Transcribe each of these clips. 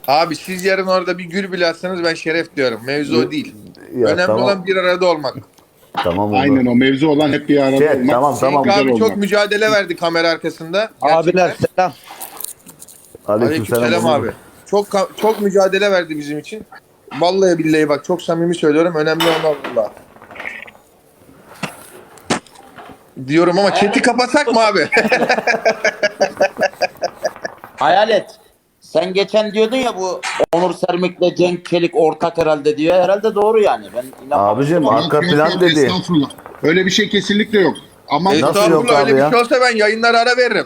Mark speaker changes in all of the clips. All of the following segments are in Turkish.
Speaker 1: Abi siz yarın orada bir gül bile atsanız ben şeref diyorum. Mevzu o değil.
Speaker 2: Ya
Speaker 1: Önemli
Speaker 2: tamam.
Speaker 1: olan bir arada olmak.
Speaker 2: Tamam oldu.
Speaker 3: Aynen o mevzu olan hep bir arada
Speaker 2: Şey,
Speaker 3: olmak.
Speaker 2: tamam, tamam.
Speaker 1: Cenk
Speaker 3: Güzel
Speaker 1: abi çok
Speaker 3: olmak.
Speaker 1: mücadele verdi kamera arkasında.
Speaker 4: Abiler
Speaker 1: Gerçekten.
Speaker 4: selam.
Speaker 1: Aleykümselam
Speaker 2: Onur.
Speaker 1: abi. Çok mücadele verdi bizim için. Vallahi billahi bak çok samimi söylüyorum. Önemli olan Allah. Diyorum ama chat'i kapatsak mı abi?
Speaker 5: Hayalet. Sen geçen diyordun ya bu Onur Sermik'le Cenk Çelik ortak herhalde diyor. Herhalde doğru yani. Ben inanmamıştım
Speaker 2: Abicim
Speaker 5: ama.
Speaker 2: arka
Speaker 3: Yok,
Speaker 2: plan
Speaker 3: yok,
Speaker 2: dedi.
Speaker 3: Estağfurullah. Öyle bir şey kesinlikle yok. Ama
Speaker 2: Nasıl yok
Speaker 1: Estağfurullah
Speaker 2: abi
Speaker 1: öyle
Speaker 2: ya?
Speaker 1: bir şey olsa ben yayınlara ara veririm.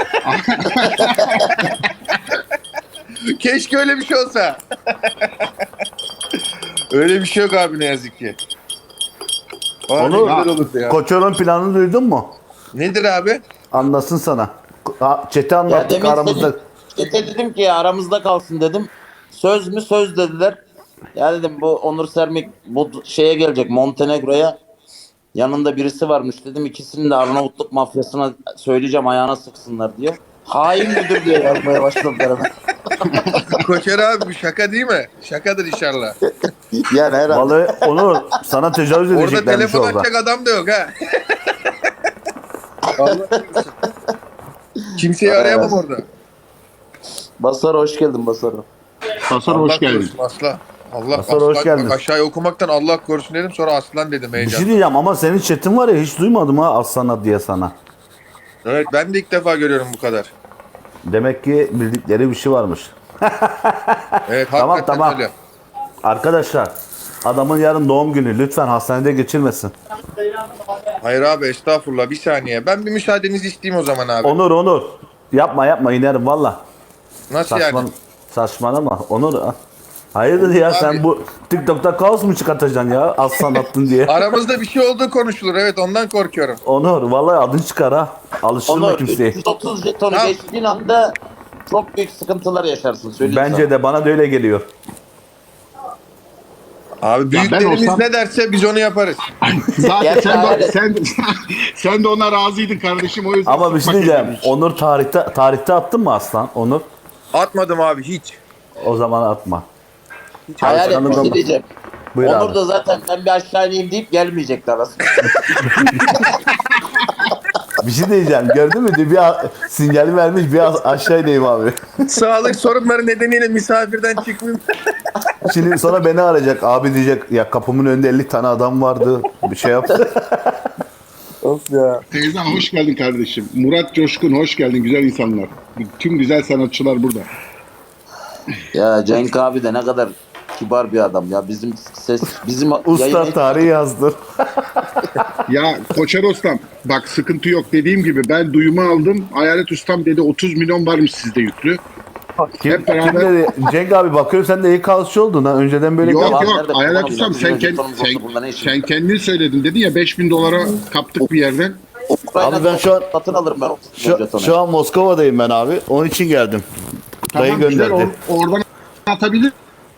Speaker 1: Keşke öyle bir şey olsa. Öyle bir şey yok abi ne yazık ki. Abi
Speaker 2: Onur,
Speaker 1: güzel olurdu ya.
Speaker 2: Koçor'un planını duydun mu?
Speaker 1: Nedir abi?
Speaker 2: Anlasın sana. Çete
Speaker 5: Ya
Speaker 2: anlattık
Speaker 5: demin
Speaker 2: aramızda.
Speaker 5: Çete dedim ki aramızda kalsın dedim. Söz mü söz dediler. Ya dedim bu Onur Sermik bu şeye gelecek Montenegro'ya. Yanında birisi varmış dedim. İkisini de Arnavutluk mafyasına söyleyeceğim ayağına sıksınlar diyor. Hain müdür diye yazmaya başladılar hemen.
Speaker 1: Koçer abi bu şaka değil mi? Şakadır inşallah.
Speaker 5: Yani herhalde.
Speaker 2: Vallahi Onur sana tecavüz
Speaker 1: Orada
Speaker 2: edeceklermiş
Speaker 1: telefon
Speaker 2: orada.
Speaker 1: açacak adam da yok ha. Vallahi diyorsun. Kimseyi arayamam orada.
Speaker 5: Basaro hoş geldin Basaro.
Speaker 3: Hasar
Speaker 1: Allah
Speaker 3: hoş geldin.
Speaker 1: korusun aslan. Allah
Speaker 2: Hasan, hoş
Speaker 1: aslan.
Speaker 2: geldin.
Speaker 1: Bak aşağıya okumaktan Allah korusun dedim sonra aslan dedim
Speaker 2: Bir
Speaker 1: heyecan.
Speaker 2: şey diyeceğim ama senin chatin var ya hiç duymadım ha Aslan'a diye sana.
Speaker 1: Evet ben de ilk defa görüyorum bu kadar.
Speaker 2: Demek ki bildikleri bir şey varmış.
Speaker 1: Evet
Speaker 2: Tamam,
Speaker 1: hakikaten
Speaker 2: tamam.
Speaker 1: öyle.
Speaker 2: Arkadaşlar adamın yarın doğum günü lütfen hastanede geçirmesin.
Speaker 1: Hayır abi estağfurullah bir saniye. Ben bir müsaadenizi isteyeyim o zaman abi.
Speaker 2: Onur yapma inerim valla.
Speaker 1: Nasıl
Speaker 2: Saçma,
Speaker 1: yani?
Speaker 2: saçmalama Onur. Hayırdır ya
Speaker 1: Abi.
Speaker 2: sen bu TikTok'ta kaos mu çıkartacaksın ya Aslan attın diye.
Speaker 1: Aramızda bir şey olduğu konuşulur evet ondan korkuyorum.
Speaker 2: Onur vallahi adın çıkar ha. Alıştırma
Speaker 5: Onur
Speaker 2: kimseyi.
Speaker 5: 330 jetonu
Speaker 1: Tamam.
Speaker 5: geçtiğin anda çok büyük sıkıntılar yaşarsın. Söyleyeyim
Speaker 2: Bence de bana da öyle geliyor.
Speaker 1: Abi büyüklerimiz
Speaker 3: olsam-
Speaker 1: ne derse biz onu yaparız.
Speaker 3: Zaten
Speaker 5: Gerçi
Speaker 3: sen de,
Speaker 5: Hayalet.
Speaker 3: sen de ona razıydın kardeşim o yüzden.
Speaker 2: Ama bir şey
Speaker 3: sıkmak
Speaker 2: diyeceğim.
Speaker 3: istemiş.
Speaker 2: Onur tarihte attın mı Aslan? Onur
Speaker 1: Atmadım abi hiç.
Speaker 2: o zaman atma.
Speaker 5: Hayalet
Speaker 2: Aslan'ın
Speaker 5: bir
Speaker 2: da-
Speaker 5: şey diyeceğim.
Speaker 2: Buyur
Speaker 5: Onur
Speaker 2: abi.
Speaker 5: da zaten ben bir aşağı ineyim deyip gelmeyecekler aslında.
Speaker 2: Bir şey diyeceğim. Gördün mü? Bir sinyali vermiş bir aşağı ineyim abi.
Speaker 1: Sağlık sorunları nedeniyle misafirden çıkmayayım.
Speaker 2: Şimdi sonra beni arayacak. Abi diyecek ya kapımın önünde 50 tane adam vardı. Bir şey yaptı.
Speaker 1: Of ya.
Speaker 3: Teyzem hoş geldin kardeşim. Murat Coşkun hoş geldin güzel insanlar. Tüm güzel sanatçılar burada.
Speaker 5: Ya Cenk abi de ne kadar kibar bir adam ya. Bizim ses bizim
Speaker 2: Usta
Speaker 5: yayın-
Speaker 2: tarihi yazdır.
Speaker 3: Ya Koçer Ostam bak sıkıntı yok dediğim gibi ben duyumu aldım. Hayalet Ustam dedi 30 milyon varmış sizde yüklü.
Speaker 2: Kim,
Speaker 3: Hep beraber-
Speaker 2: kim dedi? Cenk abi bakıyorum sen de iyi kalıcı oldun ha. Önceden böyle
Speaker 3: Yok
Speaker 5: Yalan
Speaker 3: yok
Speaker 5: nerede
Speaker 3: Hayalet
Speaker 5: kullanalım
Speaker 3: Ustam
Speaker 5: ya?
Speaker 3: sen,
Speaker 5: Bizim jetonumuz olsa bunda ne işimiz
Speaker 3: sen
Speaker 5: var?
Speaker 3: kendin söyledin dedin ya 5000 dolara kaptık bir yerden.
Speaker 5: Ukrayna
Speaker 2: Abi ben şu an-
Speaker 5: satın alırım ben 30 milyon jetonu.
Speaker 2: Şu an Moskova'dayım ben abi. Onun için geldim. Dayı
Speaker 3: Tamam güzel
Speaker 2: gönderdi.
Speaker 3: oradan atabilir.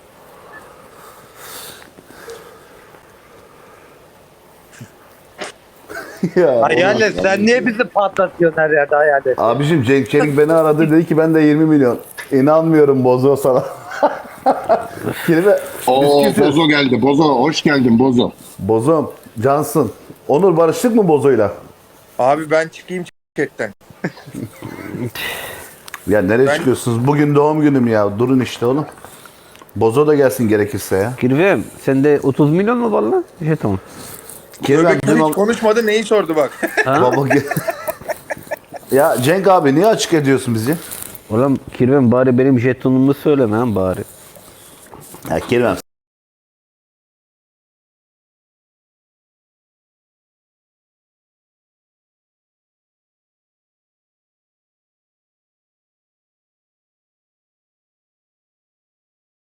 Speaker 2: Ya,
Speaker 4: Hayalet sen niye bizi patlatıyorsun her yerde Hayalet?
Speaker 2: abicim Cenk Çelik beni aradı dedi ki ben de 20 milyon. İnanmıyorum Bozo sana. Kelime
Speaker 3: Oo
Speaker 2: biz kimse-
Speaker 3: Bozo geldi. Bozo hoş geldin Bozo.
Speaker 2: Bozom, Cansın. Onur barıştık mı Bozo'yla?
Speaker 1: Abi ben çıkayım chatten.
Speaker 2: Ya nereye
Speaker 1: Ben-
Speaker 2: çıkıyorsunuz? Bugün doğum günüm ya. Durun işte oğlum. Bozo da gelsin gerekirse ya.
Speaker 6: Kirvem sende 30 milyon mu var lan? Jeton.
Speaker 2: Kirven
Speaker 1: Öbekler
Speaker 2: bizim
Speaker 1: hiç konuşmadı neyi sordu bak.
Speaker 2: baba ya Cenk abi niye açık ediyorsun bizi?
Speaker 6: Oğlum Kirvem bari benim jetonumu söyleme lan bari.
Speaker 2: Ya Kirven